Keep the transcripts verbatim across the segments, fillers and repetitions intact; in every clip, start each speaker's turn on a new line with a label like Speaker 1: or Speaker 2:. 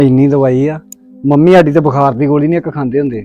Speaker 1: ਇੰਨੀ ਦਵਾਈ ਆ ਮੰਮੀ ਸਾਡੀ ਤੇ ਬੁਖਾਰ ਦੀ ਗੋਲੀ ਨਹੀਂ ਇੱਕ ਖਾਂਦੇ ਹੁੰਦੇ।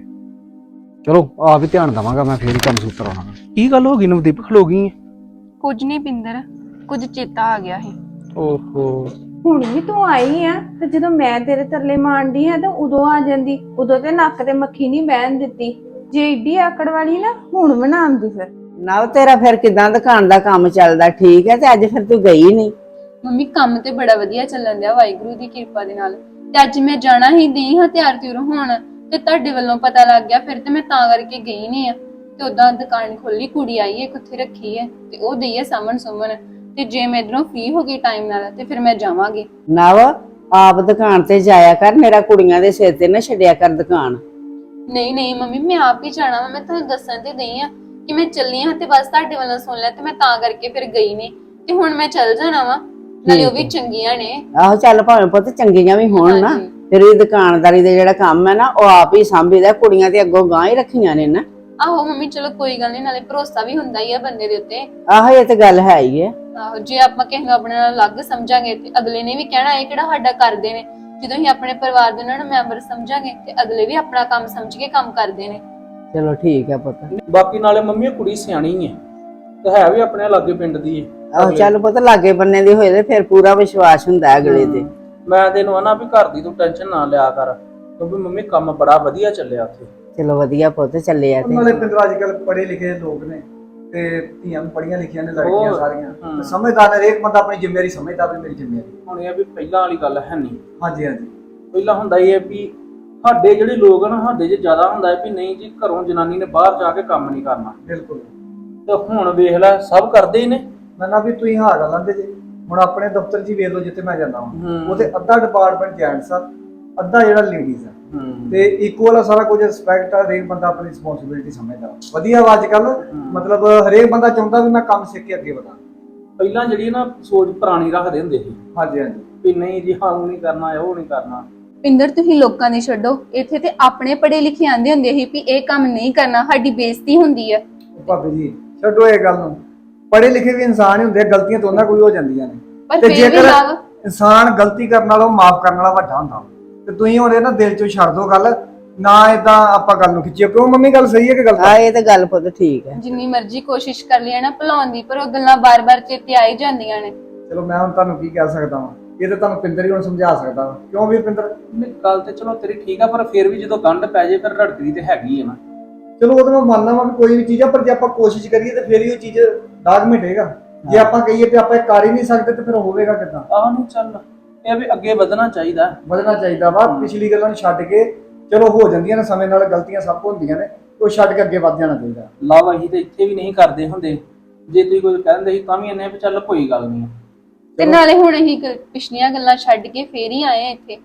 Speaker 1: ਚਲੋ ਆਪ ਹੀ ਧਿਆਨ ਦਵਾਂਗਾ ਮੈਂ, ਫੇਰ ਹੀ ਕੰਮ ਸੂਤਰ ਆਉਣਾ। ਕੀ ਗੱਲ ਹੋ ਗਈ ਨਵਦੀਪ, ਖਲੋ ਗਈ?
Speaker 2: ਕੁਝ ਨਹੀਂ ਪਿੰਦਰ, ਕੁਝ ਚੇਤਾ ਆ ਗਿਆ ਸੀ।
Speaker 1: ਓਹੋ,
Speaker 3: ਹੁਣ ਵੀ ਤੂੰ ਆਈ ਆ ਤੇ ਜਦੋਂ ਮੈਂ ਤੇਰੇ ਤਰਲੇ ਮਾਰਦੀ ਆ ਤਾਂ ਉਦੋਂ ਆ ਜਾਂਦੀ। ਉਦੋਂ ਤੇ ਨੱਕ ਤੇ ਮੱਖੀ ਨਹੀਂ ਬਹਿਣ ਦਿੱਤੀ। ਜੇ ਏਡੀ ਆਕੜ ਵਾਲੀ ਨਾ ਹੁਣ ਬਣਾਉਂਦੀ ਫਿਰ।
Speaker 4: ਨਾ ਤੇਰਾ ਫਿਰ ਕਿਦਾਂ ਦੁਕਾਨ ਦਾ ਕੰਮ ਚੱਲਦਾ? ਠੀਕ ਹੈ। ਤੇ ਅੱਜ ਫਿਰ ਤੂੰ ਗਈ ਨਹੀਂ?
Speaker 2: ਮੰਮੀ ਕੰਮ ਤੇ ਬੜਾ ਵਧੀਆ ਚੱਲਣ ਦਿਆ ਵਾਹਿਗੁਰੂ ਦੀ ਕਿਰਪਾ ਦੇ ਨਾਲ। ਤੇ ਅੱਜ ਮੈਂ ਜਾਣਾ ਹੀ ਦੀ ਹਾਂ ਤਿਆਰ ਤਿਉਰ ਹੋਣ, ਤੇ ਤੁਹਾਡੇ ਵੱਲੋਂ ਪਤਾ ਲੱਗ ਗਿਆ ਫਿਰ ਤੇ ਮੈਂ ਤਾਂ ਕਰਕੇ ਗਈ ਨਹੀਂ ਆ। ਤੇ ਉਦਾਂ ਦੁਕਾਨ ਖੋਲੀ, ਕੁੜੀ ਆਈ ਹੈ ਕਿੱਥੇ ਰੱਖੀ ਹੈ ਤੇ ਉਹ ਦਈ ਹੈ ਸਾਮਣ ਸੁਮਣ। ਤੇ ਜੇ ਮੈਂ ਇਧਰੋਂ ਫ੍ਰੀ ਹੋ ਗਈ ਟਾਈਮ ਨਾਲ ਤੇ ਫਿਰ ਮੈਂ ਜਾਵਾਂਗੀ।
Speaker 4: ਨਵ ਆਪ ਦੁਕਾਨ ਤੇ ਜਾਇਆ ਕਰ, ਮੇਰਾ ਕੁੜੀਆਂ ਦੇ ਸਿਰ ਤੇ ਨਾ ਛੱਡਿਆ ਕਰ ਦੁਕਾਨ।
Speaker 2: ਨਹੀਂ ਨਹੀਂ ਮੰਮੀ, ਮੈਂ ਆਪ ਹੀ ਜਾਣਾ ਵਾ। ਮੈਂ ਤੁਹਾਨੂੰ ਦੱਸਣ ਤੇ ਦਈ ਆ ਕਿ ਮੈਂ ਚੱਲੀ ਹਾਂ ਤੇ ਬਸ ਤੁਹਾਡੇ ਵੱਲੋਂ ਸੁਣ ਲਿਆ ਤੇ ਮੈਂ ਤਾਂ ਕਰਕੇ ਫਿਰ ਗਈ ਨਹੀਂ। ਤੇ ਹੁਣ ਮੈਂ ਚੱਲ ਜਾਣਾ ਵਾ, ਨਾਲੇ ਉਹ ਵੀ ਚੰਗੀਆਂ ਨੇ।
Speaker 4: ਆਹੋ ਚੱਲ ਭਾਵੇਂ ਪੁੱਤ ਚੰਗੀਆਂ ਵੀ ਹੋਣ ਨਾ, ਫਿਰ ਇਹ ਦੁਕਾਨਦਾਰੀ ਦਾ ਜਿਹੜਾ ਕੰਮ ਹੈ ਨਾ ਉਹ ਆਪ ਹੀ ਸੰਭੀਦਾ। ਕੁੜੀਆਂ ਤੇ ਅੱਗੋਂ ਗਾਂ ਹੀ ਰੱਖੀਆਂ ਨੇ ਨਾ।
Speaker 2: ਆਹੋ ਮੰਮੀ ਚਲੋ ਕੋਈ ਗੱਲ ਨਹੀਂ, ਨਾਲੇ ਭਰੋਸਾ ਵੀ ਹੁੰਦਾ ਹੀ ਆ ਬੰਦੇ ਦੇ ਉੱਤੇ।
Speaker 4: ਆਹੋ ਇਹ ਤੇ ਗੱਲ ਹੈ ਹੀ ਹੈ।
Speaker 2: ਆਹੋ ਜੇ ਆਪਾਂ ਕਿਸੇ ਨੂੰ ਆਪਣੇ ਨਾਲ ਅਲੱਗ ਸਮਝਾਂਗੇ ਤੇ ਅਗਲੇ ਨੇ ਵੀ ਕਹਿਣਾ ਇਹ ਕਿਹੜਾ ਸਾਡਾ ਕਰਦੇ ਨੇ। ਜਦੋਂ ਅਸੀਂ ਆਪਣੇ ਪਰਿਵਾਰ ਦੇ ਉਹਨਾਂ ਨੂੰ ਮੈਂਬਰ ਸਮਝਾਂਗੇ ਤੇ ਅਗਲੇ ਵੀ ਆਪਣਾ ਕੰਮ ਸਮਝ ਕੇ ਕੰਮ ਕਰਦੇ ਨੇ।
Speaker 4: ਚਲੋ ਠੀਕ ਹੈ ਪੁੱਤ।
Speaker 5: ਬਾਕੀ ਨਾਲੇ ਮੰਮੀ ਕੁੜੀ ਸਿਆਣੀ ਹੈ ਤੇ ਹੈ ਵੀ ਆਪਣੇ ਲਾਗੇ ਪਿੰਡ ਦੀ ਹੈ।
Speaker 4: ਆਹੋ ਚੱਲ ਪੁੱਤ ਲਾਗੇ ਬੰਨੇ ਦੀ ਹੋਏ ਤੇ ਫਿਰ ਪੂਰਾ ਵਿਸ਼ਵਾਸ ਹੁੰਦਾ ਅਗਲੇ ਤੇ।
Speaker 5: ਮੈਂ ਤੈਨੂੰ ਆਣਾ ਵੀ ਘਰ ਦੀ ਤੂੰ ਟੈਨਸ਼ਨ ਨਾ ਲਿਆ ਕਰ, ਕਿਉਂਕਿ ਮੰਮੀ ਕੰਮ ਬੜਾ ਵਧੀਆ ਚੱਲਿਆ ਉੱਥੇ।
Speaker 4: ਚਲੋ ਵਧੀਆ ਪੁੱਤ ਚੱਲਿਆ ਤੇ।
Speaker 6: ਨਾਲੇ ਪਿੰਦਰ ਅੱਜ ਕੱਲ ਪੜ੍ਹੇ ਲਿਖੇ ਲੋਕ ਨੇ ਤੇ ਧੀਆਂ ਵੀ ਪੜ੍ਹੀਆਂ ਲਿਖੀਆਂ ਨੇ, ਲੜਕੀਆਂ
Speaker 5: ਉਹ,
Speaker 6: ਸਾਰੀਆਂ
Speaker 5: ਹਮ।
Speaker 6: ਤੇ ਸਮਝਦਾਰ ਨੇ। ਹਰੇਕ ਬੰਦਾ ਆਪਣੀ ਜ਼ਿੰਮੇਵਾਰੀ ਸਮਝਦਾ ਵੀ ਮੇਰੀ ਜ਼ਿੰਮੇਵਾਰੀ।
Speaker 5: ਹੁਣ ਇਹ ਆ ਵੀ ਪਹਿਲਾਂ ਵਾਲੀ ਗੱਲ ਹੈ ਨਹੀਂ।
Speaker 6: ਹਾਂਜੀ ਹਾਂਜੀ
Speaker 5: ਪਹਿਲਾਂ ਹੁੰਦਾ ਇਹ ਹੈ ਵੀ ਸਾਡੇ ਜਿਹੜੇ ਲੋਕ ਆ ਨਾ, ਸਾਡੇ 'ਚ ਜ਼ਿਆਦਾ ਹੁੰਦਾ ਹੈ ਵੀ ਨਹੀਂ ਜੀ ਘਰੋਂ ਜਨਾਨੀ ਨੇ ਬਾਹਰ ਜਾ ਕੇ ਕੰਮ ਨਹੀਂ ਕਰਨਾ।
Speaker 6: ਬਿਲਕੁਲ।
Speaker 5: ਤੇ ਹੁਣ ਵੇਖ ਲੈ ਸਭ ਕਰਦੇ ਹੀ ਨੇ।
Speaker 6: ਮੈਂ ਨਾ ਵੀ ਤੁਸੀਂ ਹਾਰ ਗੱਲ ਆਂਦੇ ਜੇ। ਹੁਣ ਆਪਣੇ ਦਫ਼ਤਰ 'ਚ ਹੀ ਵੇਖ ਲਓ ਜਿੱਥੇ ਮੈਂ ਜਾਂਦਾ ਹਾਂ,
Speaker 5: ਹਮ।
Speaker 6: ਉਹਦੇ ਅੱਧਾ ਡਿਪਾਰਟਮੈਂਟ ਜੈਂਟਸ ਆ, ਅੱਧਾ ਜਿਹੜਾ ਲੇਡੀਜ਼ ਆ।
Speaker 5: ਹੂੰ
Speaker 6: ਤੇ ਇਕੁਅਲ ਆ ਸਾਰਾ ਕੁਝ, ਰਿਸਪੈਕਟ ਆ, ਹਰੇਕ ਬੰਦਾ ਆਪਣੀ ਰਿਸਪੌਂਸਿਬਿਲਿਟੀ ਸਮਝਦਾ। ਵਧੀਆ ਵਾ ਅੱਜ ਕੱਲ, ਮਤਲਬ ਹਰੇਕ ਬੰਦਾ ਚਾਹੁੰਦਾ ਵੀ ਮੈਂ ਕੰਮ ਸਿੱਖ ਕੇ ਅੱਗੇ ਵਧਾਂ।
Speaker 5: ਪਹਿਲਾਂ ਜਿਹੜੀ ਨਾ ਸੋਚ ਪੁਰਾਣੀ ਰੱਖਦੇ ਹੁੰਦੇ ਸੀ
Speaker 6: ਹਾਂਜੀ ਹਾਂਜੀ
Speaker 5: ਵੀ ਨਹੀਂ ਜੀ ਹਾਂ ਉਹ ਨਹੀਂ ਕਰਨਾ, ਉਹ ਨਹੀਂ ਕਰਨਾ।
Speaker 2: ਪਿੰਦਰ ਤੁਸੀਂ ਲੋਕਾਂ ਦੀ ਛੱਡੋ, ਇੱਥੇ ਤੇ ਆਪਣੇ ਪੜ੍ਹੇ ਲਿਖੇ ਆਂਦੇ ਹੁੰਦੇ ਸੀ ਵੀ ਇਹ ਕੰਮ ਨਹੀਂ ਕਰਨਾ, ਸਾਡੀ ਬੇਇੱਜ਼ਤੀ ਹੁੰਦੀ ਆ।
Speaker 6: ਭਾਬੀ ਜੀ ਛੱਡੋ ਇਹ ਗੱਲ ਨੂੰ। ਪੜ੍ਹੇ ਲਿਖੇ ਵੀ ਇਨਸਾਨ ਹੀ ਹੁੰਦੇ, ਗਲਤੀਆਂ ਤੋਂ ਉਹਨਾਂ ਕੋਈ ਹੋ ਜਾਂਦੀਆਂ ਨੇ।
Speaker 2: ਪਰ
Speaker 6: ਤੇ
Speaker 2: ਫਿਰ ਵੀ
Speaker 6: ਜੇਕਰ
Speaker 2: ਲਵ
Speaker 6: ਇਨਸਾਨ ਗਲਤੀ ਕਰਨ ਵਾਲਾ ਉਹ ਮਾਫ ਕਰਨ ਵਾਲਾ ਵੱਡਾ ਹੁੰਦਾ। ਤੇ ਤੁਸੀਂ ਹੁਣ ਇਹ ਨਾ ਦਿਲ ਚੋਂ ਛੱਡ ਦੋ ਗੱਲ, ਨਾ ਇਦਾਂ ਆਪਾਂ ਗੱਲ ਨੂੰ ਖਿੱਚੀਏ। ਕਿਉਂ ਮੰਮੀ ਗੱਲ ਸਹੀ ਹੈ ਕਿ ਗਲਤ?
Speaker 4: ਆ ਇਹ ਤੇ ਗੱਲ ਪੁੱਤ ਠੀਕ ਹੈ।
Speaker 2: ਜਿੰਨੀ ਮਰਜ਼ੀ ਕੋਸ਼ਿਸ਼ ਕਰ ਲਈ ਨਾ ਭੁਲਾਉਣ ਦੀ, ਪਰ ਉਹ ਗੱਲਾਂ ਬਾਰ-ਬਾਰ ਚੇਤੇ ਆ ਹੀ ਜਾਂਦੀਆਂ ਨੇ।
Speaker 6: ਚਲੋ ਮੈਂ ਹੁਣ ਤੁਹਾਨੂੰ ਕੀ ਕਹਿ ਸਕਦਾ ਵਾਂ, ਇਹ ਤਾਂ ਤੁਹਾਨੂੰ ਪਿੰਦਰ ਹੀ ਹੁਣ ਸਮਝਾ ਸਕਦਾ ਵਾ। ਕਿਉਂ ਵੀ ਪਿੰਦਰ?
Speaker 5: ਨਹੀਂ ਗੱਲ ਤੇ ਚਲੋ ਤੇਰੀ ਠੀਕ ਆ, ਪਰ ਫਿਰ ਵੀ ਜਦੋਂ ਗੰਢ ਪੈ ਜੇ ਫਿਰ ਰੜਕਦੀ ਤੇ ਹੈਗੀ ਹੈ ਨਾ।
Speaker 6: ਚਲੋ ਉਹ ਤਾਂ ਮੈਂ ਮੰਨਦਾ ਵਾਂ ਵੀ ਕੋਈ ਵੀ ਚੀਜ਼ ਆ, ਪਰ ਜੇ ਆਪਾਂ ਕੋਸ਼ਿਸ਼ ਕਰੀਏ ਤੇ ਫਿਰ ਹੀ ਉਹ ਚੀਜ਼ ਦਾਗ ਮਿਟੇਗਾ। ਜੇ ਆਪਾਂ ਕਹੀਏ ਤੇ ਆਪਾਂ ਇਹ ਕਰ ਹੀ ਨਹੀਂ ਸਕਦੇ ਤੇ ਫਿਰ ਹੋਵੇਗਾ ਕਿੱਦਾਂ?
Speaker 5: ਆਹ ਨਹੀਂ ਚੱਲ, ਇਹ ਵੀ ਅੱਗੇ ਵਧਣਾ ਚਾਹੀਦਾ।
Speaker 6: ਵਧਣਾ ਚਾਹੀਦਾ ਵਾ। ਪਿਛਲੀ ਗੱਲਾਂ ਨੂੰ ਛੱਡ ਕੇ, ਚਲੋ ਹੋ ਜਾਂਦੀਆਂ ਨੇ ਸਮੇਂ ਨਾਲ, ਗਲਤੀਆਂ ਸਭ ਤੋਂ ਹੁੰਦੀਆਂ ਨੇ, ਉਹ ਛੱਡ ਕੇ ਅੱਗੇ ਵਧ ਜਾਣਾ ਚਾਹੀਦਾ।
Speaker 5: ਲਵ ਅਸੀਂ ਤੇ ਇੱਥੇ ਵੀ ਨਹੀਂ ਕਰਦੇ ਹੁੰਦੇ। ਜੇ ਤੁਸੀਂ ਕੋਈ ਕਹਿੰਦੇ ਸੀ ਤਾਂ ਵੀ ਇਹਨੇ ਵੀ ਚੱਲ ਕੋਈ ਗੱਲ ਨਹੀਂ।
Speaker 2: ਤੇ ਨਾਲੇ ਹੁਣ ਅਸੀਂ ਗ- ਪਿਛਲੀਆਂ ਗੱਲਾਂ ਛੱਡ ਕੇ ਫੇਰ ਹੀ ਆਏ ਆ ਇੱਥੇ।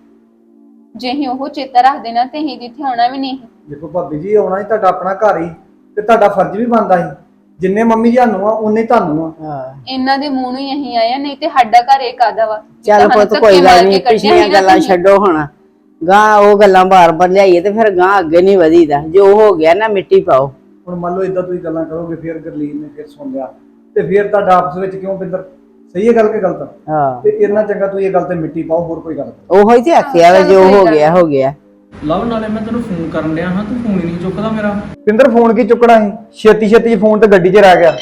Speaker 2: ਜੇ ਅਸੀਂ ਉਹ ਚੇਤਾ ਰੱਖਦੇ ਨਾ ਤੇ ਅਸੀਂ ਜਿੱਥੇ ਆਉਣਾ ਵੀ ਨਹੀਂ।
Speaker 6: ਦੇਖੋ ਭਾਬੀ ਜੀ, ਆਉਣਾ ਹੀ ਤੁਹਾਡਾ ਆਪਣਾ ਘਰ ਹੀ, ਤੇ ਤੁਹਾਡਾ ਫਰਜ਼ ਵੀ ਬਣਦਾ ਸੀ। ਜਿੰਨੇ ਮੰਮੀ ਜੀ ਸਾਨੂੰ ਆ ਉਨੇ ਤੁਹਾਨੂੰ ਆ।
Speaker 4: ਹਾਂ
Speaker 2: ਇਹਨਾਂ ਦੇ ਮੂੰਹ ਨੂੰ ਹੀ ਅਸੀਂ ਆਏ ਆ, ਨਹੀਂ ਤੇ ਸਾਡਾ ਘਰ ਇਹ ਕਾਦਾ ਵਾ।
Speaker 4: ਚੱਲ ਪੁੱਤ ਕੋਈ ਗੱਲ ਨਹੀਂ, ਪਿਛਲੀਆਂ ਗੱਲਾਂ ਛੱਡੋ ਹੁਣ। ਗਾਂ ਉਹ ਗੱਲਾਂ ਬਾਰ-ਬਾਰ ਲਿਆਈਏ ਤੇ ਫਿਰ ਗਾਂ ਅੱਗੇ ਨਹੀਂ ਵਧੀਦਾ। ਜੋ ਹੋ ਗਿਆ ਨਾ ਮਿੱਟੀ ਪਾਓ।
Speaker 6: ਹੁਣ ਮੰਨ ਲਓ ਇਦਾਂ ਤੁਸੀਂ ਗੱਲਾਂ ਕਰੋਗੇ, ਫਿਰ ਗਰਲੀਨ ਨੇ ਫਿਰ ਸੁਣ ਲਿਆ ਤੇ ਫਿਰ ਤੁਹਾਡਾ ਆਪਸ ਵਿੱਚ ਕਿਉਂ ਪਿੰਦਰ? ਸਹੀ ਹੈ ਗੱਲ ਕਿ ਗਲਤ?
Speaker 4: ਹਾਂ
Speaker 6: ਤੇ ਇੰਨਾ ਚੰਗਾ ਤੁਸੀਂ ਇਹ ਗੱਲ ਤੇ ਮਿੱਟੀ ਪਾਓ, ਹੋਰ ਕੋਈ ਗੱਲ ਨਹੀਂ।
Speaker 4: ਉਹੋ ਹੀ ਤੇ ਆਖਿਆ ਵਾ, ਜੋ ਹੋ ਗਿਆ ਹੋ ਗਿਆ।
Speaker 5: ਲਵ ਨਾਲੇ ਮੈਂ ਤੈਨੂੰ ਫੋਨ ਕਰਨ ਡਿਆ ਹਾਂ, ਤੂੰ ਫੋਨ ਹੀ ਨਹੀਂ ਚੁੱਕਦਾ ਮੇਰਾ।
Speaker 6: ਪਿੰਦਰ ਫੋਨ ਕੀ ਚੁੱਕਣਾ ਸੀ? ਛੇਤੀ ਛੇਤੀ ਫੋਨ ਤੇ ਗੱਡੀ 'ਚ ਰਹਿ ਗਿਆ।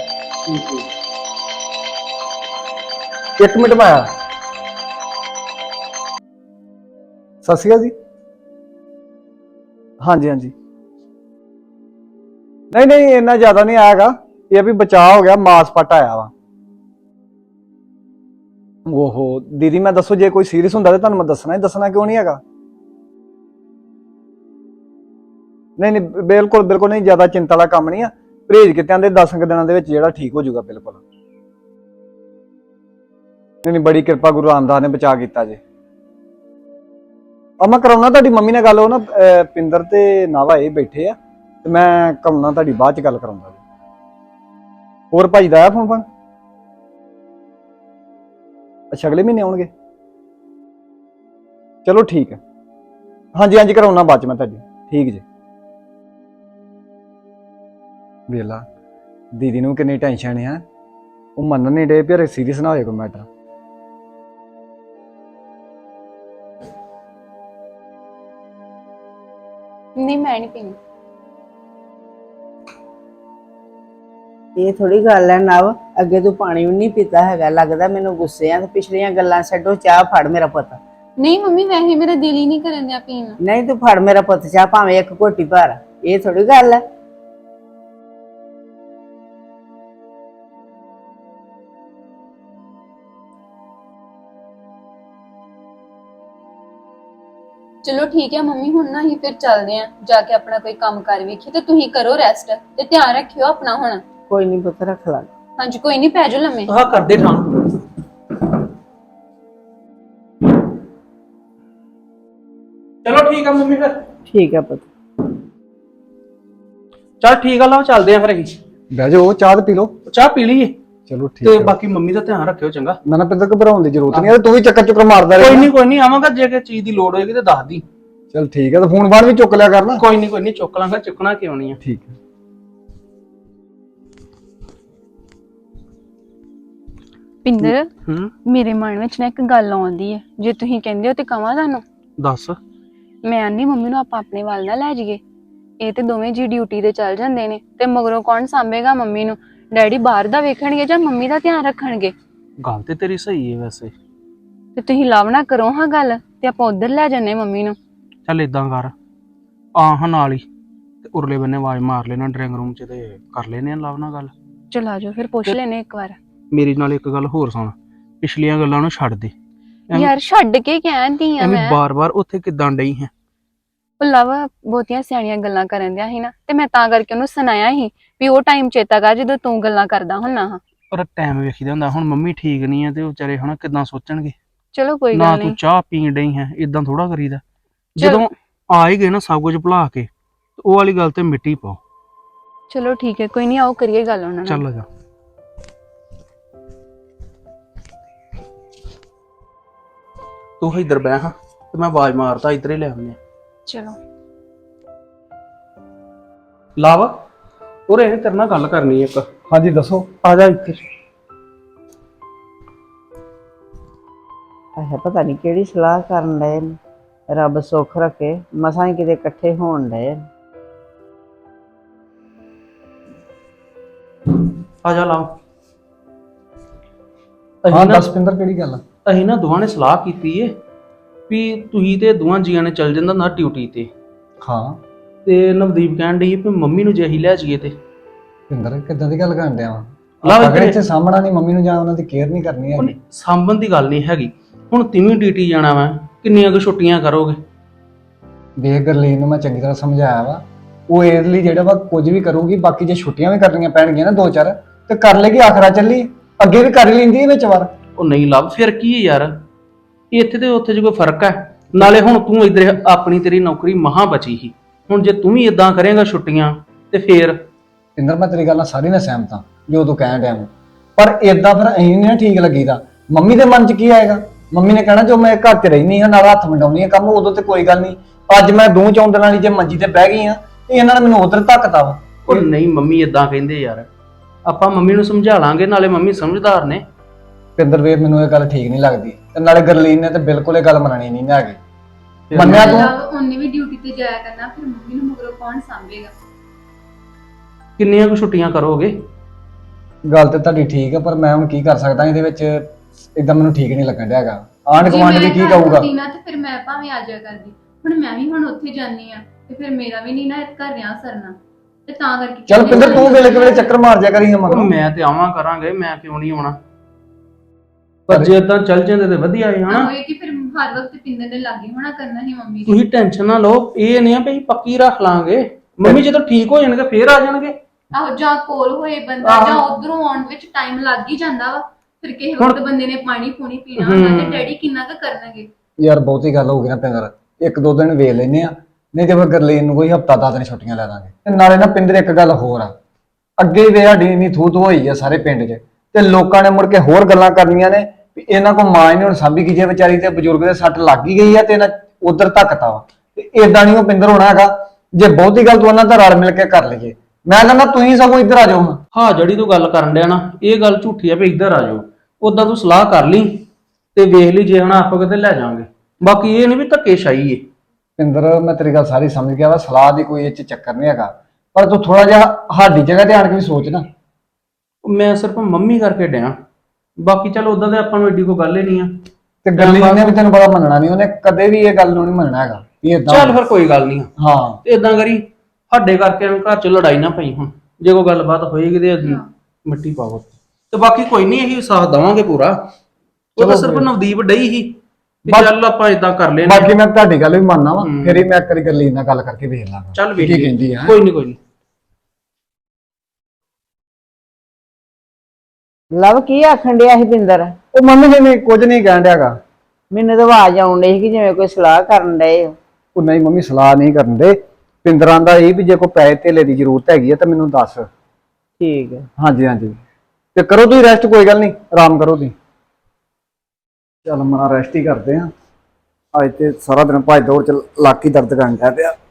Speaker 6: ਇੱਕ ਮਿੰਟ ਮੈਂ ਆਇਆ। ਸਤਿ ਸ਼੍ਰੀ ਅਕਾਲ ਜੀ। ਹਾਂਜੀ ਹਾਂਜੀ ਨਹੀਂ ਨਹੀਂ ਇੰਨਾ ਜ਼ਿਆਦਾ ਨਹੀਂ ਆਇਆਗਾ। ਇਹ ਵੀ ਬਚਾਅ ਹੋ ਗਿਆ, ਮਾਸ ਪੱਟ ਆਇਆ ਵਾ। ਓਹੋ ਦੀਦੀ, ਮੈਂ ਦੱਸੋ ਜੇ ਕੋਈ ਸੀਰੀਅਸ ਹੁੰਦਾ ਤਾਂ ਤੁਹਾਨੂੰ ਮੈਂ ਦੱਸਣਾ ਹੀ ਦੱਸਣਾ, ਕਿਉਂ ਨਹੀਂ ਹੈਗਾ? ਨਹੀਂ ਨਹੀਂ ਬਿਲਕੁਲ ਬਿਲਕੁਲ ਨਹੀਂ, ਜ਼ਿਆਦਾ ਚਿੰਤਾ ਵਾਲਾ ਕੰਮ ਨਹੀਂ ਆ। ਪਰਹੇਜ ਕਿਤਿਆਂ ਦੇ ਦਸ ਕੁ ਦਿਨਾਂ ਦੇ ਵਿੱਚ ਜਿਹੜਾ ਠੀਕ ਹੋ ਜਾਊਗਾ ਬਿਲਕੁਲ। ਨਹੀਂ ਨਹੀਂ ਬੜੀ ਕਿਰਪਾ ਗੁਰੂ ਰਾਮਦਾਸ ਨੇ ਬਚਾ ਕੀਤਾ ਜੇ। ਆ ਮੈਂ ਕਰਾਉਣਾ ਤੁਹਾਡੀ ਮੰਮੀ ਨਾਲ ਗੱਲ। ਉਹ ਨਾ ਪਿੰਦਰ ਤੇ ਨਾਵਾ ਇਹ ਬੈਠੇ ਆ ਤੇ ਮੈਂ ਕਰਾਉਣਾ ਤੁਹਾਡੀ ਬਾਅਦ ਚ ਗੱਲ ਕਰਾਉਂਦਾ। ਹੋਰ ਭਾਈ ਦਾ ਆਇਆ ਫੋਨ ਫਾਨ? ਅੱਛਾ ਅਗਲੇ ਮਹੀਨੇ ਆਉਣਗੇ। ਚਲੋ ਠੀਕ ਹੈ। ਹਾਂਜੀ ਹਾਂਜੀ ਕਰਾਉਣਾ ਬਾਅਦ ਚ ਮੈਂ ਤੁਹਾਡੀ। ਠੀਕ ਜੀ। ਵੇਲਾ ਦੀਦੀ ਨੂੰ ਕਿੰਨੀ ਟੈਨਸ਼ਨ ਹੈ, ਉਹ ਮੰਨ ਨਹੀਂ ਡੇ ਫਿਰ ਸੀਰੀਅਸ ਨਾ ਹੋਏ ਕੋਈ ਮੈਟਰ।
Speaker 2: ਨਹੀਂ ਮੈਂ ਨਹੀਂ ਪੀਣੀ।
Speaker 4: ਇਹ ਥੋੜੀ ਗੱਲ ਹੈ ਨਵ, ਅੱਗੇ ਤੂੰ ਪਾਣੀ ਵੀ ਨਹੀਂ ਪੀਤਾ ਹੈਗਾ, ਲੱਗਦਾ ਮੈਨੂੰ ਗੁੱਸੇ ਆ। ਤੇ ਪਿਛਲੀਆਂ ਗੱਲਾਂ ਛੱਡੋ, ਚਾਹ ਫੜ ਮੇਰਾ ਪੁੱਤ।
Speaker 2: ਨਹੀਂ ਮੰਮੀ ਵੈਸੇ ਮੇਰਾ ਦਿਲ ਹੀ ਨਹੀਂ ਕਰਨ ਦਿਆ ਪੀਣ ਨੂੰ।
Speaker 4: ਨਹੀਂ ਤੂੰ ਫੜ ਮੇਰਾ ਪੁੱਤ ਚਾਹ, ਭਾਵੇਂ ਇੱਕ ਘੋਟੀ ਭਰ। ਇਹ ਥੋੜੀ ਗੱਲ ਹੈ।
Speaker 2: ਚਲੋ ਠੀਕ ਹੈ ਮੰਮੀ, ਹੁਣ ਨਾ ਹੀ ਫਿਰ ਚੱਲਦੇ ਆਂ, ਜਾ ਕੇ ਆਪਣਾ ਕੋਈ ਕੰਮ ਕਰ ਵੇਖੀ। ਤੇ ਤੁਸੀਂ ਕਰੋ ਰੈਸਟ ਤੇ ਧਿਆਨ ਰੱਖਿਓ ਆਪਣਾ ਹੁਣ।
Speaker 4: ਕੋਈ ਨਹੀਂ ਪੁੱਤ, ਰੱਖ ਲਾ।
Speaker 2: ਹਾਂਜੀ ਕੋਈ ਨਹੀਂ, ਪੈ ਜਾਓ ਲੰਮੇ।
Speaker 5: ਆਹ ਕਰਦੇ ਠਾਂ। ਚਲੋ ਠੀਕ ਆ ਮੰਮੀ ਫਿਰ।
Speaker 4: ਠੀਕ ਹੈ ਪੁੱਤ।
Speaker 5: ਚਲ ਠੀਕ ਆ, ਲਓ ਚੱਲਦੇ ਆ ਫਿਰ ਅਸੀਂ।
Speaker 1: ਬਹਿ ਜਾਓ, ਚਾਹ ਤੇ ਪੀ ਲਓ।
Speaker 5: ਚਾਹ ਪੀ ਲਈਏ
Speaker 1: ਚਲੋ ਠੀਕ
Speaker 5: ਤੇ
Speaker 1: ਹੈ।
Speaker 5: ਬਾਕੀ ਮੰਮੀ ਦਾ ਧਿਆਨ ਰੱਖਿਓ ਚੰਗਾ।
Speaker 1: ਨਾ ਨਾ ਪਿੰਦਰ ਘਬਰਾਉਣ ਦੀ ਜ਼ਰੂਰਤ ਨਹੀਂ ਹੈ, ਤੂੰ ਵੀ ਚੱਕਰ ਚੁੱਕਰ ਮਾਰਦਾ
Speaker 5: ਕੋਈ
Speaker 1: ਰਹਿ।
Speaker 5: ਨਹੀਂ ਕੋਈ ਨਹੀਂ, ਆਵਾਂਗਾ ਜੇ ਕਿਸੇ ਚੀਜ਼ ਦੀ ਲੋੜ ਹੋਏਗੀ ਤੇ ਦੱਸ ਦੀ।
Speaker 1: ਚਲ ਠੀਕ ਹੈ, ਤੇ ਫੋਨ ਬਾਹਰ ਵੀ ਚੁੱਕ ਲਿਆ ਕਰਨਾ।
Speaker 5: ਕੋਈ ਨਹੀਂ ਕੋਈ ਨਹੀਂ, ਚੁੱਕ ਲਾਂਗਾ, ਚੁੱਕਣਾ ਕਿਉਂ ਨਹੀਂ ਆ।
Speaker 1: ਠੀਕ ਹੈ।
Speaker 2: ਪਿੰਦਰ,
Speaker 5: ਹੂੰ
Speaker 2: ਮੇਰੇ ਮਨ ਵਿੱਚ ਨਾ ਇੱਕ ਗੱਲ ਆਉਂਦੀ ਹੈ, ਜੇ ਤੁਸੀਂ ਕਹਿੰਦੇ ਹੋ ਤੇ ਕਹਾਂ ਤੁਹਾਨੂੰ।
Speaker 5: ਦੱਸ।
Speaker 2: ਮੈਂ ਨਹੀਂ ਮੰਮੀ ਨੂੰ ਆਪਾਂ ਆਪਣੇ ਵੱਲ ਨਾ ਲੈ ਜਾਈਏ। ਇਹ ਤੇ ਦੋਵੇਂ ਜੀ ਡਿਊਟੀ ਤੇ ਚੱਲ ਜਾਂਦੇ ਨੇ, ਤੇ ਮਗਰੋਂ ਕੌਣ ਸਾਂਭੇਗਾ ਮੰਮੀ ਨੂੰ? ਡੈਡੀ ਬਾਹਰ ਦਾ ਵੇਖਣਗੇ ਜਾਂ ਮੰਮੀ ਦਾ ਧਿਆਨ ਰੱਖਣਗੇ?
Speaker 5: ਗੱਲ ਤੇ ਤੇਰੀ ਸਹੀ ਹੈ ਵੈਸੇ।
Speaker 2: ਤੇ ਤੁਸੀਂ ਲਵ ਨਾ ਕਰੋ ਹਾਂ ਗੱਲ, ਤੇ ਆਪਾਂ ਉਧਰ ਲੈ ਜੰਨੇ ਮੰਮੀ ਨੂੰ।
Speaker 5: ਚੱਲ ਇਦਾਂ ਕਰ, ਆ ਹਾਂ ਨਾਲ ਹੀ ਤੇ ਉਰਲੇ ਬੰਨੇ ਆਵਾਜ਼ ਮਾਰ ਲੈਣਾ ਡਰਾਇੰਗ ਰੂਮ ਚ, ਤੇ ਕਰ ਲੈਨੇ ਆ ਲਵ ਨਾਲ ਗੱਲ।
Speaker 2: ਚਲਾ ਜਾਓ ਫਿਰ, ਪੁੱਛ ਲੈਨੇ ਇੱਕ ਵਾਰ।
Speaker 5: ਮੇਰੀ ਨਾਲ ਇੱਕ ਗੱਲ ਹੋਰ ਸੁਣ, ਪਿਛਲੀਆਂ ਗੱਲਾਂ ਨੂੰ ਛੱਡ ਦੇ।
Speaker 2: ਯਾਰ ਛੱਡ ਕੇ ਕਹਿੰਦੀ ਆ
Speaker 5: ਐਵੇਂ
Speaker 2: ਮੈਂ।
Speaker 5: ਬਾਰ-ਬਾਰ ਉੱਥੇ ਕਿੱਦਾਂ ਡਈ ਹੈ?
Speaker 2: ਉਹ ਲਵ ਬਹੁਤੀਆਂ ਸਿਆਣੀਆਂ ਗੱਲਾਂ ਕਰਨ ਦਿਆ ਸੀ ਨਾ, ਤੇ ਮੈਂ ਤਾਂ ਕਰਕੇ ਉਹਨੂੰ ਸੁਣਾਇਆ ਸੀ ਵੀ ਉਹ ਟਾਈਮ ਚੇਤਾ ਕਰ ਜਦੋਂ ਤੂੰ ਗੱਲਾਂ ਕਰਦਾ ਹੁੰਨਾ ਹਾਂ।
Speaker 5: ਪਰ ਟਾਈਮ ਵੇਖੀਦਾ ਹੁੰਦਾ, ਹੁਣ ਮੰਮੀ ਠੀਕ ਨਹੀਂ ਹੈ ਤੇ ਉਹ ਵਿਚਾਰੇ ਹਨਾ ਕਿੱਦਾਂ ਸੋਚਣਗੇ।
Speaker 2: ਚਲੋ ਕੋਈ
Speaker 5: ਨਾ
Speaker 2: ਗੱਲ
Speaker 5: ਤੂੰ
Speaker 2: ਨਹੀਂ।
Speaker 5: ਚਾਹ ਪੀਣ ਡਈ ਹੈ, ਇਦਾਂ ਥੋੜਾ ਕਰੀਦਾ।
Speaker 2: ਚਲ-
Speaker 5: ਜਦੋਂ ਆ ਹੀ ਗਏ ਨਾ ਸਭ ਕੁਝ ਭੁਲਾ ਕੇ, ਤੇ ਉਹ ਵਾਲੀ ਗੱਲ ਤੇ ਮਿੱਟੀ ਪਾਓ।
Speaker 2: ਚਲੋ ਠੀਕ ਹੈ, ਕੋਈ ਨਹੀਂ, ਆਓ ਕਰੀਏ ਗੱਲ ਉਹਨਾਂ ਨਾਲ।
Speaker 5: ਚੱਲ ਜਾ। ਤੂੰ ਇੱਧਰ ਬਹਿ ਹਾਂ, ਤੇ ਮੈਂ ਆਵਾਜ਼ ਮਾਰਦਾ ਇੱਧਰ ਹੀ ਲੈ ਆਉਂਦੇ।
Speaker 2: ਚਲੋ
Speaker 5: ਲਾਵਾ ਉਰੇ ਇਹ ਤੇਰੇ ਨਾਲ ਗੱਲ ਕਰਨੀ ਇੱਕ।
Speaker 1: ਹਾਂਜੀ ਦੱਸੋ।
Speaker 5: ਆ ਜਾ ਇੱਥੇ।
Speaker 4: ਅੱਛਾ, ਪਤਾ ਨਹੀਂ ਕਿਹੜੀ ਸਲਾਹ ਕਰਨ ਡਏ ਨੇ। ਰੱਬ ਸੁੱਖ ਰੱਖੇ, ਮਸਾਂ ਹੀ ਕਿਤੇ ਇਕੱਠੇ ਹੋਣ ਡਏ ਨੇ।
Speaker 5: ਆ ਜਾ ਲਾਵਾ।
Speaker 1: ਹਾਂ
Speaker 5: ਅਸੀਂ ਨਾ
Speaker 1: ਦੱਸ ਪਿੰਦਰ, ਕਿਹੜੀ ਗੱਲ ਆ?
Speaker 5: ਅਸੀਂ ਨਾ ਦੋਵਾਂ ਨੇ ਸਲਾਹ ਕੀਤੀ ਏ ਵੀ ਤੁਸੀਂ ਤੇ ਦੋਵਾਂ ਜੀਆਂ ਨੇ ਚੱਲ ਜਾਂਦਾ ਨਾ ਡਿਊਟੀ ਤੇ,
Speaker 1: ਹਾਂ
Speaker 5: ਤੇ ਨਵਦੀਪ ਕਹਿਣ ਡਈ ਵੀ ਮੰਮੀ ਨੂੰ ਜੇ ਅਸੀਂ ਲੈ ਜਾਈਏ ਤੇ।
Speaker 1: ਪਿੰਦਰ ਕਿੱਦਾਂ ਦੀ ਗੱਲ ਕਰਨ ਡਿਆ ਵਾ?
Speaker 5: ਲਵ
Speaker 1: ਅਗਰ
Speaker 5: ਇੱਧਰ
Speaker 1: ਇੱਥੇ ਸਾਹਮਣਾ ਨਹੀਂ ਮੰਮੀ ਨੂੰ, ਜਾਂ ਉਹਨਾਂ ਦੀ ਕੇਅਰ ਨਹੀਂ ਕਰਨੀ
Speaker 5: ਉਹਨੇ
Speaker 1: ਹੈ।
Speaker 5: ਸਾਂਭਣ ਦੀ ਗੱਲ ਨਹੀਂ ਹੈਗੀ। ਹੁਣ ਤਿਵੇਂ ਡਿਊਟੀ ਜਾਣਾ ਵਾ, ਕਿੰਨੀਆਂ ਕੁ ਛੁੱਟੀਆਂ ਕਰੋਗੇ?
Speaker 1: ਦੇਖ ਗਰਲੀਨ ਨੂੰ ਮੈਂ ਚੰਗੀ ਤਰ੍ਹਾਂ ਸਮਝਾਇਆ ਵਾ, ਉਹ ਇਹਦੇ ਲਈ ਜਿਹੜਾ ਵਾ ਕੁਝ ਵੀ ਕਰੂਗੀ। ਬਾਕੀ ਜੇ ਛੁੱਟੀਆਂ ਵੀ ਕਰਨੀਆਂ ਪੈਣਗੀਆਂ ਨਾ ਦੋ ਚਾਰ, ਤੇ ਕਰ ਲੇਗੀ। ਆਖਰਾ ਚੱਲੀ ਅੱਗੇ ਵੀ ਕਰ ਹੀ ਲੈਂਦੀ ਹੈ ਵਿੱਚ ਵਾਰ।
Speaker 5: ਉਹ ਨਹੀਂ ਲੱਭ, ਫਿਰ ਕੀ ਹੈ ਯਾਰ, ਇੱਥੇ ਤੇ ਉੱਥੇ 'ਚ ਕੋਈ ਫਰਕ ਹੈ? ਨਾਲੇ ਹੁਣ ਤੂੰ ਇੱਧਰ ਆਪਣੀ ਤੇਰੀ ਨੌਕਰੀ ਮਹਾਂ ਬਚੀ ਸੀ, ਹੁਣ ਜੇ ਤੂੰ ਵੀ ਇਦਾਂ ਕਰੇਂਗਾ ਛੁੱਟੀਆਂ ਤੇ ਫੇਰ।
Speaker 1: ਪਿੰਦਰ ਮੈਂ ਤੇਰੀ ਗੱਲ ਨਾਲ ਸਾਰੀ ਨਾਲ ਸਹਿਮਤ ਹਾਂ ਜੋ ਤੂੰ ਕਹਿਣ ਡਿਆ ਵਾ, ਪਰ ਇਦਾਂ ਫਿਰ ਅਸੀਂ ਨਹੀਂ ਨਾ ਠੀਕ ਲੱਗੀਦਾ। ਮੰਮੀ ਦੇ ਮਨ 'ਚ ਕੀ ਆਏਗਾ? ਮੰਮੀ ਨੇ ਕਹਿਣਾ ਜੋ ਮੈਂ ਘਰ 'ਚ ਰਹਿਨੀ ਹਾਂ ਨਾਲ ਹੱਥ ਵੰਡਾਉਣੀ ਆ ਕੰਮ, ਉਦੋਂ ਤੇ ਕੋਈ ਗੱਲ ਨਹੀਂ। ਅੱਜ ਮੈਂ ਦੋ ਚੌਂ ਦਿਨਾਂ ਲਈ ਜੇ ਮੰਜੀ ਤੇ ਬਹਿ ਗਈ ਆ, ਤੇ ਇਹਨਾਂ ਨੇ ਮੈਨੂੰ ਉਧਰ ਧੱਕਤਾ ਵਾ।
Speaker 5: ਉਹ ਨਹੀਂ, ਮੰਮੀ ਇਦਾਂ ਕਹਿੰਦੇ ਯਾਰ, ਆਪਾਂ ਮੰਮੀ ਨੂੰ ਸਮਝਾ ਲਾਂਗੇ, ਨਾਲੇ ਮੰਮੀ ਸਮਝਦਾਰ ਨੇ।
Speaker 1: ਪਿੰਦਰ ਵੀਰ ਮੈਨੂੰ ਇਹ ਗੱਲ ਠੀਕ ਨਹੀਂ ਲੱਗਦੀ, ਤੇ ਨਾਲੇ ਗਰਲੀਨ ਨੇ ਤੇ ਬਿਲਕੁਲ ਇਹ ਗੱਲ ਮੰਨਣੀ ਨਹੀਂ ਨਾ ਹੈਗੀ। ਮੰਨਿਆ ਤੂੰ?
Speaker 2: ਉਹਨੇ ਵੀ ਡਿਊਟੀ ਤੇ ਜਾਇਆ ਕਰਨਾ, ਫਿਰ ਮੰਮੀ ਨੂੰ ਮਗਰੋਂ ਕੌਣ ਸਾਂਭੇਗਾ?
Speaker 5: ਕਿੰਨੀਆਂ ਕੁ ਛੁੱਟੀਆਂ ਕਰੋਗੇ?
Speaker 1: ਗੱਲ ਤੇ ਤੁਹਾਡੀ ਠੀਕ ਹੈ, ਪਰ ਮੈਂ ਹੁਣ ਕੀ ਕਰ ਸਕਦਾ ਇਹਦੇ ਵਿੱਚ? ਇਦਾਂ ਮੈਨੂੰ ਠੀਕ ਨਹੀਂ ਲੱਗਣ ਡਿਆ ਹੈਗਾ। ਆਂਢ ਗੁਆਂਢ ਵੀ ਕੀ ਕਹੂਗਾ?
Speaker 2: ਨਾ ਤੇ ਫਿਰ ਮੈਂ ਭਾਵੇਂ ਆ ਜਾਇਆ ਕਰਦੀ, ਹੁਣ ਮੈਂ ਵੀ ਹੁਣ ਉੱਥੇ ਜਾਨੀ ਆ, ਤੇ ਫਿਰ ਮੇਰਾ ਵੀ ਨਹੀਂ ਨਾ ਘਰ ਰਿਆਂ ਸਰਨਾ, ਤੇ ਤਾਂ ਕਰਕੇ।
Speaker 1: ਚੱਲ ਪਿੰਦਰ ਤੂੰ ਵੇਲੇ ਵੇਲੇ ਚੱਕਰ ਮਾਰ ਜਾ ਕਰੀ
Speaker 5: ਉਹ
Speaker 1: ਮਗਰ।
Speaker 5: ਮੈਂ ਤੇ ਆਵਾਂ ਕਰਾਂਗੇ, ਮੈਂ ਕਿਉਂ ਨਹੀਂ ਆਉਣਾ? ਪਰ ਜੇ ਇਦਾਂ ਚੱਲ ਜਾਂਦੇ ਤੇ ਵਧੀਆ ਹੈ ਹਨਾ।
Speaker 2: ਹੋਏ ਕਿ ਫਿਰ ਹਰ ਵਕਤ ਪਿੰਦਰ ਦੇ ਲਾਗੇ ਹੋਣਾ ਕਰਨਾ ਹੀ ਮੰਮੀ ਦੀ।
Speaker 5: ਤੁਸੀਂ ਟੈਨਸ਼ਨ ਨਾ ਲਓ, ਇਹ ਨਹੀਂ ਆ ਵੀ ਅਸੀਂ ਪੱਕੀ ਰੱਖ ਲਾਂਗੇ। ਮੰਮੀ ਜਦੋਂ ਠੀਕ ਹੋ ਜਾਣਗੇ ਫੇਰ ਆ ਜਾਣਗੇ।
Speaker 2: ਆਹੋ, ਜਾਂ ਕੋਲ ਹੋਏ ਬੰਦਾ, ਜਾਂ ਉਧਰੋਂ ਆਉਣ ਵਿੱਚ ਟਾਈਮ ਲੱਗ ਹੀ ਜਾਂਦਾ ਵਾ। ਫਿਰ ਕਿਸੇ ਵਕਤ ਬੰਦੇ ਨੇ ਪਾਣੀ ਪੂਣੀ ਪੀਣਾ ਹੁੰਦਾ, ਤੇ ਡੈਡੀ ਕਿੰਨਾ ਕੁ ਕਰਨਗੇ?
Speaker 1: ਯਾਰ ਬਹੁਤੀ ਗੱਲ ਹੋ ਗਈ ਨਾ ਪਿੰਦਰ, ਇੱਕ ਦੋ ਦਿਨ ਵੇਖ ਲੈਨੇ ਆ, ਨਹੀਂ ਤੇ ਫਿਰ ਗਰਲੀਨ ਨੂੰ ਕੋਈ ਹਫਤਾ ਦਸ ਦਿਨ ਛੁੱਟੀਆਂ ਲੈ ਦਾਂਗੇ। ਤੇ ਨਾਲੇ ਨਾ ਪਿੰਦਰ ਇੱਕ ਗੱਲ ਹੋਰ ਆ, ਅੱਗੇ ਵੀ ਸਾਡੀ ਇੰਨੀ ਥੂ ਥੂ ਹੋਈ ਆ ਸਾਰੇ ਪਿੰਡ 'ਚ, ਤੇ ਲੋਕਾਂ ਨੇ ਮੁੜ ਕੇ ਹੋਰ ਗੱਲਾਂ ਕਰਨੀਆਂ ਨੇ ਵੀ ਇਹਨਾਂ ਕੋਲ ਮਾਂ ਹੀ ਨਹੀਂ ਹੁਣ ਸਾਂਭੀ ਗਈ, ਜੇ ਵਿਚਾਰੀ ਤੇ ਬਜ਼ੁਰਗ ਦੇ ਸੱਟ ਲੱਗ ਹੀ ਗਈ ਆ ਤੇ ਇਹਨਾਂ ਉਧਰ ਧੱਕਤਾ ਵਾ। ਤੇ ਏਦਾਂ ਨਹੀਂ ਉਹ ਪਿੰਦਰ ਹੋਣਾ ਹੈਗਾ। ਜੇ ਬਹੁਤੀ ਗੱਲ ਤੂੰ ਉਹਨਾਂ ਦਾ ਰਲ ਮਿਲ ਕੇ ਕਰ ਲਈਏ, ਮੈਂ ਕਹਿੰਦਾ ਤੁਸੀਂ ਸਗੋਂ ਇੱਧਰ ਆ ਜਾਓ।
Speaker 5: ਹਾਂ, ਜਿਹੜੀ ਤੂੰ ਗੱਲ ਕਰਨ ਡਿਆ ਨਾ, ਇਹ ਗੱਲ ਝੂਠੀ ਆ ਵੀ ਇੱਧਰ ਆ ਜਾਓ। ਉਦਾਂ ਤੂੰ ਸਲਾਹ ਕਰ ਲਈ ਤੇ ਵੇਖ ਲਈ, ਜੇ ਹਣਾ ਆਪਾਂ ਕਿਤੇ ਲੈ ਜਾਾਂਗੇ। ਬਾਕੀ ਇਹ ਨਹੀਂ ਵੀ ਧੱਕੇ ਸ਼ਾਹੀ ਏ।
Speaker 1: ਪਿੰਦਰ ਮੈਂ ਤੇਰੀ ਗੱਲ ਸਾਰੀ ਸਮਝ ਗਿਆ ਵਾ, ਸਲਾਹ ਦੀ ਕੋਈ ਇਹ ਚ ਚੱਕਰ ਨਹੀਂ ਹੈਗਾ, ਪਰ ਤੂੰ ਥੋੜਾ ਜਿਹਾ ਸਾਡੀ ਜਗ੍ਹਾ ਤੇ ਆਣ ਕੇ ਵੀ ਸੋਚ ਨਾ।
Speaker 5: ਮੈਂ ਸਿਰਫ ਮੰਮੀ ਕਰਕੇ ਡਿਆ, ਬਾਕੀ ਚਲ ਉਦਾਂ ਤੇ ਆਪਾਂ ਨੂੰ ਏਡੀ ਕੋਈ ਗੱਲ ਹੀ ਨਹੀਂ ਆ।
Speaker 1: ਤੇ ਗੱਲੀ ਨੇ ਵੀ ਤੈਨੂੰ ਬੜਾ ਮੰਨਣਾ ਨਹੀਂ, ਉਹਨੇ ਕਦੇ ਵੀ ਇਹ ਗੱਲ ਨੂੰ ਨਹੀਂ ਮੰਨਣਾ ਹੈਗਾ ਵੀ ਏਦਾਂ।
Speaker 5: ਚੱਲ ਫਿਰ ਕੋਈ ਗੱਲ ਨਹੀਂ,
Speaker 1: ਹਾਂ
Speaker 5: ਤੇ ਇਦਾਂ ਕਰੀ ਸਾਡੇ ਕਰਕੇ ਐਵੇਂ ਘਰ ਚ ਲੜਾਈ ਨਾ ਪਈ। ਹੁਣ ਜੇ ਕੋਈ ਗੱਲਬਾਤ ਹੋਏਗੀ ਤੇ ਮਿੱਟੀ ਪਾਵੋ, ਤੇ ਬਾਕੀ ਕੋਈ ਨਹੀਂ, ਇਹੀ ਸਾਥ ਦਵਾਂਗੇ ਪੂਰਾ। ਉਹ ਤਾਂ ਸਿਰਫ ਨਵਦੀਪ ਡਈ ਹੀ ਵੀ ਚੱਲ ਆਪਾਂ ਇਦਾਂ ਕਰ ਲੈਣਾ।
Speaker 1: ਬਾਕੀ ਮੈਂ ਤੁਹਾਡੀ ਗੱਲ ਵੀ ਮੰਨਣਾ ਵਾ, ਫਿਰ ਹੀ ਮੈਂ ਇੱਕ ਵਾਰੀ ਗੱਲੀ ਨਾਲ ਗੱਲ ਕਰਕੇ ਵੇਖ ਲਾਂਗਾ।
Speaker 5: ਚੱਲ ਵੇਖ
Speaker 1: ਕੀ ਕਹਿੰਦੀ ਆ।
Speaker 5: ਕੋਈ ਨਹੀਂ ਕੋਈ ਨਹੀਂ।
Speaker 4: ਲਵ ਕੀ ਆਖਣ ਡਿਆ ਸੀ ਪਿੰਦਰ?
Speaker 1: ਉਹ ਮੰਮੀ ਜੀ ਨੇ ਕੁਝ ਨਹੀਂ ਕਹਿਣ ਡਿਆਗਾ।
Speaker 4: ਮੈਨੂੰ ਤਾਂ ਆਵਾਜ਼ ਆਉਣ ਡਈ ਸੀ ਕਿ ਜਿਵੇਂ ਕੋਈ ਸਲਾਹ ਕਰਨ ਡਏ ਹੋ।
Speaker 1: ਉਹ ਨਹੀਂ ਮੰਮੀ, ਸਲਾਹ ਨਹੀਂ ਕਰਨ ਦੇ। ਪਿੰਦਰਾਂ ਦਾ ਇਹ ਵੀ ਜੇ ਕੋਈ ਪੈਸੇ ਧੇਲੇ ਦੀ ਜ਼ਰੂਰਤ ਹੈਗੀ ਹੈ ਤਾਂ ਮੈਨੂੰ ਦੱਸ।
Speaker 4: ਠੀਕ ਹੈ।
Speaker 1: ਹਾਂਜੀ ਹਾਂਜੀ, ਤੇ ਕਰੋ ਤੁਸੀਂ ਰੈਸਟ, ਕੋਈ ਗੱਲ ਨਹੀਂ, ਆਰਾਮ ਕਰੋ ਤੁਸੀਂ। ਚੱਲ ਮਨਾ ਰੈਸਟ ਹੀ ਕਰਦੇ ਆ। ਅੱਜ ਤੇ ਸਾਰਾ ਦਿਨ ਭੱਜ ਦੌੜ ਚ ਲੱਕ ਹੀ ਦਰਦ ਕਰਨ ਡਿਆ ਪਿਆ।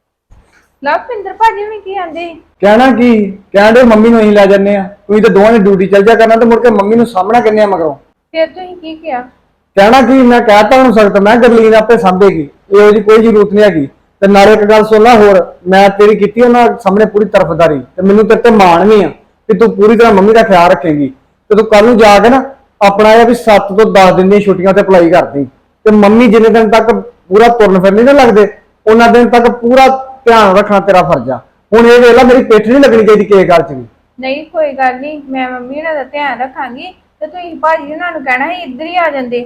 Speaker 3: ਲਵਪਿੰਦਰ ਭਾਜੀ ਵੀ ਕੀ ਆਂਦੇ?
Speaker 1: ਕਹਿਣਾ ਕੀ ਕਹਿੰਦੇ, ਮੰਮੀ ਨੂੰ ਅਸੀਂ ਲੈ ਜੰਨੇ ਆ, ਤੁਸੀਂ ਤਾਂ ਦੋਵਾਂ ਨੇ ਡਿਊਟੀ ਚੱਲ ਜਾ ਕਰਨਾ, ਤੇ ਮੁੜ ਕੇ ਮੰਮੀ ਨੂੰ ਸਾਹਮਣਾ ਕਿੰਨੇ ਆ ਮਗਰੋਂ।
Speaker 3: ਫਿਰ ਤੁਸੀਂ ਕੀ ਕਿਹਾ?
Speaker 1: ਕਹਿਣਾ ਕੀ, ਮੈਂ ਕਹਿਤਾ ਉਹਨੂੰ ਸਖਤ, ਮੈਂ ਗਰਲੀਨ ਆਪੇ ਸਾਂਭੇਗੀ, ਇਹੋ ਜਿਹੀ ਕੋਈ ਜ਼ਰੂਰਤ ਨਹੀਂ ਹੈਗੀ। ਤੇ ਨਾਲੇ ਇੱਕ ਗੱਲ ਸੁਣ ਲੈ ਹੋਰ, ਮੈਂ ਤੇਰੀ ਕੀਤੀ ਉਹਨਾਂ ਸਾਹਮਣੇ ਪੂਰੀ ਤਰਫਦਾਰੀ, ਤੇ ਮੈਨੂੰ ਤੇਰੇ ਤੇ ਮਾਣ ਵੀ ਆ ਕਿ ਤੂੰ ਪੂਰੀ ਤਰ੍ਹਾਂ ਮੰਮੀ ਦਾ ਖਿਆਲ ਰੱਖੇਗੀ। ਤੇ ਤੂੰ ਕੱਲ ਨੂੰ ਜਾ ਕੇ ਨਾ ਆਪਣਾ ਇਹ ਵੀ ਸੱਤ ਤੋਂ ਦਸ ਦਿਨ ਦੀਆਂ ਛੁੱਟੀਆਂ ਤੇ ਅਪਲਾਈ ਕਰਦੀ, ਤੇ ਮੰਮੀ ਜਿੰਨੇ ਦਿਨ ਤੱਕ ਪੂਰਾ ਤੁਰਨ ਫਿਰ ਨਹੀਂ ਨਾ ਲੱਗਦੇ, ਉਹਨਾਂ ਦਿਨ ਤੱਕ ਪੂਰਾ ਧਿਆਨ ਰੱਖਣਾ ਤੇਰਾ ਫਰਜ਼ ਆ। ਹੁਣ ਇਹ ਵੇਖ ਲੈ, ਮੇਰੀ ਪਿੱਠ ਨਹੀਂ ਲੱਗਣੀ ਚਾਹੀਦੀ ਕਿਸੇ ਗੱਲ 'ਚ ਵੀ।
Speaker 3: ਨਹੀਂ ਕੋਈ ਗੱਲ ਨਹੀਂ, ਮੈਂ ਮੰਮੀ ਉਹਨਾਂ ਦਾ ਧਿਆਨ ਰੱਖਾਂਗੀ। ਤੇ ਤੁਸੀਂ ਭਾਜੀ ਉਹਨਾਂ ਨੂੰ ਕਹਿਣਾ ਸੀ ਇੱਧਰ ਹੀ ਆ ਜਾਂਦੇ।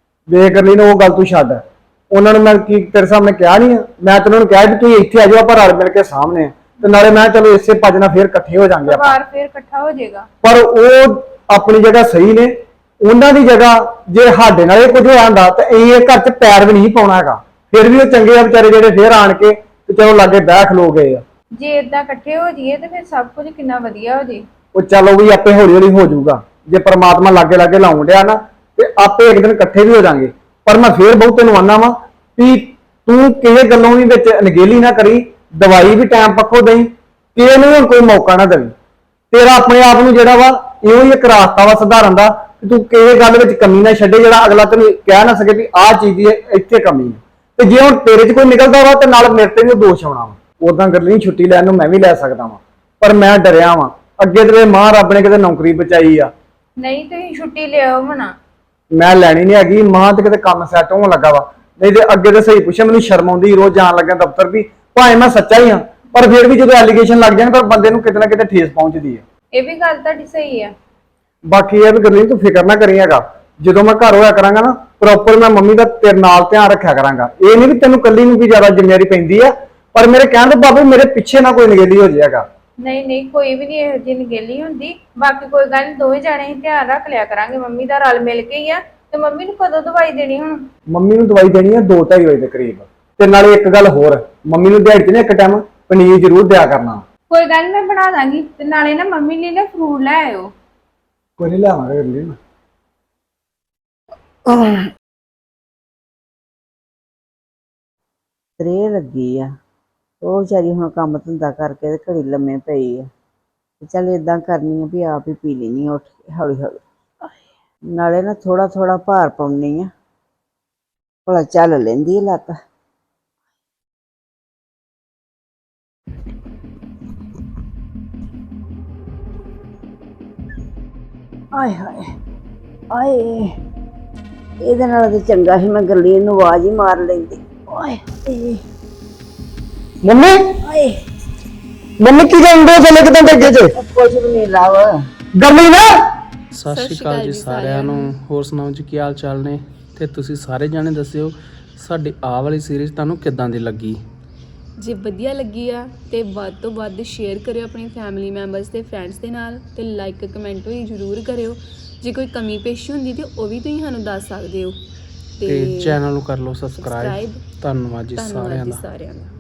Speaker 1: ਵੇ ਕਰ ਲਈ ਨਾ, ਉਹ ਗੱਲ ਤੂੰ ਛੱਡ। ਉਹਨਾਂ ਨੂੰ ਮੈਂ ਕੀ ਤੇਰੇ ਸਾਹਮਣੇ ਕਿਹਾ ਨਹੀਂ ਆ, ਮੈਂ ਤਾਂ ਉਹਨਾਂ ਨੂੰ ਕਿਹਾ ਵੀ ਤੁਸੀਂ ਇੱਥੇ ਆ ਜਾਓ, ਆਪਾਂ ਰਲ ਮਿਲ ਕੇ ਸਾਹਮਣੇ, ਤੇ ਨਾਲੇ ਮੈਂ ਚਲੋ ਇਸੇ ਭੱਜ ਨਾਲ ਫੇਰ ਇਕੱਠੇ ਹੋ ਜਾਾਂਗੇ ਆਪਾਂ।
Speaker 3: ਪਰਿਵਾਰ ਫੇਰ ਇਕੱਠਾ ਹੋ ਜਾਏਗਾ।
Speaker 1: ਪਰ ਉਹ ਆਪਣੀ ਜਗ੍ਹਾ ਸਹੀ ਨੇ, ਉਹਨਾਂ ਦੀ ਜਗ੍ਹਾ ਜੇ ਸਾਡੇ ਨਾਲ ਇਹ ਕੁਝ ਹੋਇਆ ਹੁੰਦਾ ਤਾਂ ਅਸੀਂ ਇਹ ਘਰ 'ਚ ਪੈਰ ਵੀ ਨਹੀਂ ਪਾਉਣਾ ਹੈਗਾ। ਫਿਰ ਵੀ ਉਹ ਚੰਗੇ ਆ ਵਿਚਾਰੇ ਜਿਹੜੇ ਫੇਰ ਆਣ ਕੇ ਤੇ ਚਲੋ ਲਾਗੇ ਬਹਿ ਖਲੋ ਗਏ ਆ।
Speaker 3: ਜੇ ਇਦਾਂ ਇਕੱਠੇ ਹੋ ਜਾਈਏ ਤੇ ਫਿਰ ਸਭ ਕੁਝ ਕਿੰਨਾ ਵਧੀਆ ਹੋ ਜੇ।
Speaker 1: ਉਹ ਚਲੋ ਵੀ ਆਪੇ ਹੌਲੀ ਹੌਲੀ ਹੋ ਜਾਊਗਾ, ਜੇ ਪ੍ਰਮਾਤਮਾ ਲਾਗੇ ਲਾਗੇ ਲਾਉਣ ਡਿਆ ਨਾ ਤੇ ਆਪੇ ਇੱਕ ਦਿਨ ਇਕੱਠੇ ਵੀ ਹੋ ਜਾਾਂਗੇ। ਪਰ ਮੈਂ ਫੇਰ ਬਹੁਤ ਤੈਨੂੰ ਆਨਾ ਵਾ ਵੀ ਤੂੰ ਕਿਸੇ ਗੱਲੋਂ ਵੀ ਵਿੱਚ ਅਣਗਹਿਲੀ ਨਾ ਕਰੀ, ਦਵਾਈ ਵੀ ਟਾਈਮ ਪੱਖੋਂ ਦੇਈ, ਕਿਸੇ ਨੂੰ ਹੁਣ ਕੋਈ ਮੌਕਾ ਨਾ ਦੇਵੀਂ। ਤੇਰਾ ਆਪਣੇ ਆਪ ਨੂੰ ਜਿਹੜਾ ਵਾ ਇਹੋ ਹੀ ਇੱਕ ਰਾਸਤਾ ਵਾ ਸੁਧਾਰਨ ਦਾ, ਕਿ ਤੂੰ ਕਿਸੇ ਗੱਲ ਵਿੱਚ ਕਮੀ ਨਾ ਛੱਡੇ, ਜਿਹੜਾ ਅਗਲਾ ਤੈਨੂੰ ਕਹਿ ਨਾ ਸਕੇ ਵੀ ਆਹ ਚੀਜ਼ ਦੀ ਇੱਥੇ ਕਮੀ ਹੈ। ਤੇ ਜੇ ਹੁਣ ਤੇਰੇ 'ਚ ਕੋਈ ਨਿਕਲਦਾ ਵਾ ਤੇ ਨਾਲ ਮੇਰੇ ਤੇ ਵੀ ਦੋਸ਼ ਆਉਣਾ ਵਾ। ਉਦਾਂ ਕਰ ਲਈ ਛੁੱਟੀ ਲੈਣ ਨੂੰ ਮੈਂ ਵੀ ਲੈ ਸਕਦਾ ਵਾਂ, ਪਰ ਮੈਂ ਡਰਿਆ ਵਾਂ। ਅੱਗੇ ਤੇਰੇ ਮਾਂ ਰੱਬ ਨੇ ਕਿਤੇ ਨੌਕਰੀ ਬਚਾਈ ਆ।
Speaker 3: ਨਹੀਂ ਤੁਸੀਂ ਛੁੱਟੀ ਲਿਆਓ ਮਨਾ।
Speaker 1: ਮੈਂ ਲੈਣੀ ਨਹੀਂ ਹੈਗੀ, ਮਾਂ ਤੇ ਕਿਤੇ ਕੰਮ ਸੈੱਟ ਹੋਣ ਲੱਗਾ ਵਾ। ਨਹੀਂ ਤੇ ਅੱਗੇ ਤੇ ਸਹੀ ਪੁੱਛਿਆ, ਮੈਨੂੰ ਸ਼ਰਮ ਆਉਂਦੀ ਰੋਜ਼ ਜਾਣ ਲੱਗਿਆ ਦਫ਼ਤਰ ਵੀ, ਭਾਵੇਂ ਮੈਂ ਸੱਚਾ ਹੀ ਹਾਂ, ਪਰ ਫਿਰ ਵੀ ਜਦੋਂ ਐਲੀਗੇਸ਼ਨ ਲੱਗ ਜਾਣ ਤਾਂ ਬੰਦੇ ਨੂੰ ਕਿਤੇ ਨਾ ਕਿਤੇ ਠੇਸ ਪਹੁੰਚਦੀ ਹੈ।
Speaker 3: ਇਹ ਵੀ ਗੱਲ ਤੁਹਾਡੀ ਸਹੀ ਆ।
Speaker 1: ਬਾਕੀ ਇਹ ਵੀ ਗੱਲੀ ਤੂੰ ਫਿਕਰ ਨਾ ਕਰੀ ਹੈਗਾ, ਜਦੋਂ ਮੈਂ ਘਰ ਹੋਇਆ ਕਰਾਂਗਾ ਨਾ ਪ੍ਰੋਪਰ ਮੈਂ ਮੰਮੀ ਦਾ ਤੇਰੇ ਨਾਲ ਧਿਆਨ ਰੱਖਿਆ ਕਰਾਂਗਾ। ਇਹ ਨਹੀਂ ਵੀ ਤੈਨੂੰ ਕੱਲੀ ਨੂੰ ਵੀ ਜ਼ਿਆਦਾ ਜ਼ਿੰਮੇਵਾਰੀ ਪੈਂਦੀ ਆ, ਪਰ ਮੇਰੇ ਕਹਿਣ ਤੋਂ ਬਾਬੂ ਮੇਰੇ ਪਿੱਛੇ ਨਾ ਕੋਈ ਨਿਗੇਲੀ ਹੋ ਜਾਏਗਾ।
Speaker 3: ਨਹੀਂ ਨਹੀਂ ਕੋਈ ਵੀ ਨਹੀਂ ਇਹੋ ਜਿਹੀ ਨਿਗੇਲੀ ਹੁੰਦੀ। ਬਾਕੀ ਕੋਈ ਗੱਲ ਨਹੀਂ, ਦੋਵੇਂ ਜਾਣੇ ਹੀ ਧਿਆਨ ਰੱਖ ਲਿਆ ਕਰਾਂਗੇ ਮੰਮੀ ਦਾ, ਰਲ ਮਿਲ ਕੇ ਹੀ ਆ। ਤੇ ਮੰਮੀ ਨੂੰ ਕਦੋਂ ਦਵਾਈ ਦੇਣੀ? ਹੁਣ
Speaker 1: ਮੰਮੀ ਨੂੰ ਦਵਾਈ ਦੇਣੀ ਆ ਦੋ ਢਾਈ ਵਜੇ ਦੇ ਕਰੀਬ। ਤੇ ਨਾਲੇ ਇੱਕ ਗੱਲ ਹੋਰ, ਮੰਮੀ ਨੂੰ ਦਿਹਾੜੀ 'ਚ ਨਾ ਇੱਕ ਟਾਈਮ ਪਨੀਰ ਜ਼ਰੂਰ ਦਿਆ ਕਰਨਾ।
Speaker 3: ਕੋਈ ਗੱਲ ਨੀ, ਮੈਂ ਬਣਾ ਦਾਂਗੀ। ਤੇ ਨਾਲੇ ਨਾ ਮੰਮੀ ਲਈ ਨਾ ਫਰੂਟ ਲੈ ਆਇਓ।
Speaker 1: ਕੋਈ ਨਹੀਂ ਲਿਆਵਾਂਗੇ ਗੱਲੀ ਨਾ।
Speaker 4: ਤਰੇ ਲੱਗੀ ਆ, ਉਹ ਵਿਚਾਰੀ ਹੁਣ ਕੰਮ ਧੰਦਾ ਕਰਕੇ ਤੇ ਘੜੀ ਲੰਮੇ ਪਈ ਆ। ਤੇ ਚੱਲ ਏਦਾਂ ਕਰਨੀ ਆ ਵੀ ਆਪ ਹੀ ਪੀ ਲੈਣੀ ਉੱਠ ਕੇ ਹੌਲੀ ਹੌਲੀ, ਨਾਲੇ ਨਾ ਥੋੜਾ ਥੋੜਾ ਭਾਰ ਪਾਉਣੀ ਆ, ਭਲਾ ਚੱਲ ਲੈਂਦੀ ਆ ਲੱਤ। ਆਏ ਹਾਏ ਆਏ, ਇਹਦੇ ਨਾਲ ਤੇ ਚੰਗਾ ਸੀ ਮੈਂ ਗਰਲੀਨ ਨੂੰ ਆਵਾਜ਼ ਹੀ ਮਾਰ ਲੈਂਦੀ। ਓਏ ਏ
Speaker 1: ਮੰਮੀ
Speaker 4: ਆਏ,
Speaker 1: ਮੰਮੀ ਕੀ ਕਹਿੰਦੇ ਹੋ ਚਲੇ ਕਿਤੇ ਅੱਗੇ 'ਚ
Speaker 4: ਕੁਝ ਵੀ ਨਹੀਂ ਲਾਵ
Speaker 1: ਗਰਲੀ ਨਾ।
Speaker 5: ਸਤਿ ਸ਼੍ਰੀ ਅਕਾਲ ਜੀ ਸਾਰਿਆਂ ਨੂੰ, ਹੋਰ ਸੁਣਾਓ ਜੀ ਕੀ ਹਾਲ ਚਾਲ ਨੇ? ਤੇ ਤੁਸੀਂ ਸਾਰੇ ਜਾਣੇ ਦੱਸਿਓ ਸਾਡੀ ਆਹ ਵਾਲੀ ਸੀਰੀਜ਼ ਤੁਹਾਨੂੰ ਕਿੱਦਾਂ ਦੀ ਲੱਗੀ।
Speaker 2: ਜੇ ਵਧੀਆ ਲੱਗੀ ਆ ਤੇ ਵੱਧ ਤੋਂ ਵੱਧ ਸ਼ੇਅਰ ਕਰਿਓ ਆਪਣੀ ਫੈਮਿਲੀ ਮੈਂਬਰਸ ਤੇ ਫਰੈਂਡਸ ਦੇ ਨਾਲ, ਤੇ ਲਾਈਕ ਕਮੈਂਟ ਵੀ ਜ਼ਰੂਰ ਕਰਿਓ। ਜੇ ਕੋਈ ਕਮੀ ਪੇਸ਼ੀ ਹੁੰਦੀ ਤੇ ਉਹ ਵੀ ਤੁਸੀਂ ਸਾਨੂੰ ਦੱਸ ਸਕਦੇ ਹੋ।
Speaker 5: ਤੇ ਚੈਨਲ ਨੂੰ ਕਰ ਲਓ ਸਬਸਕ੍ਰਾਈਬ।
Speaker 2: ਸਬਸਕ੍ਰਾਈਬ।
Speaker 5: ਧੰਨਵਾਦ ਜੀ
Speaker 2: ਧੰਨਵਾਦ
Speaker 5: ਸਾਰਿਆਂ
Speaker 2: ਜੀ
Speaker 5: ਦਾ।
Speaker 2: ਸਾਰਿਆਂ ਦਾ।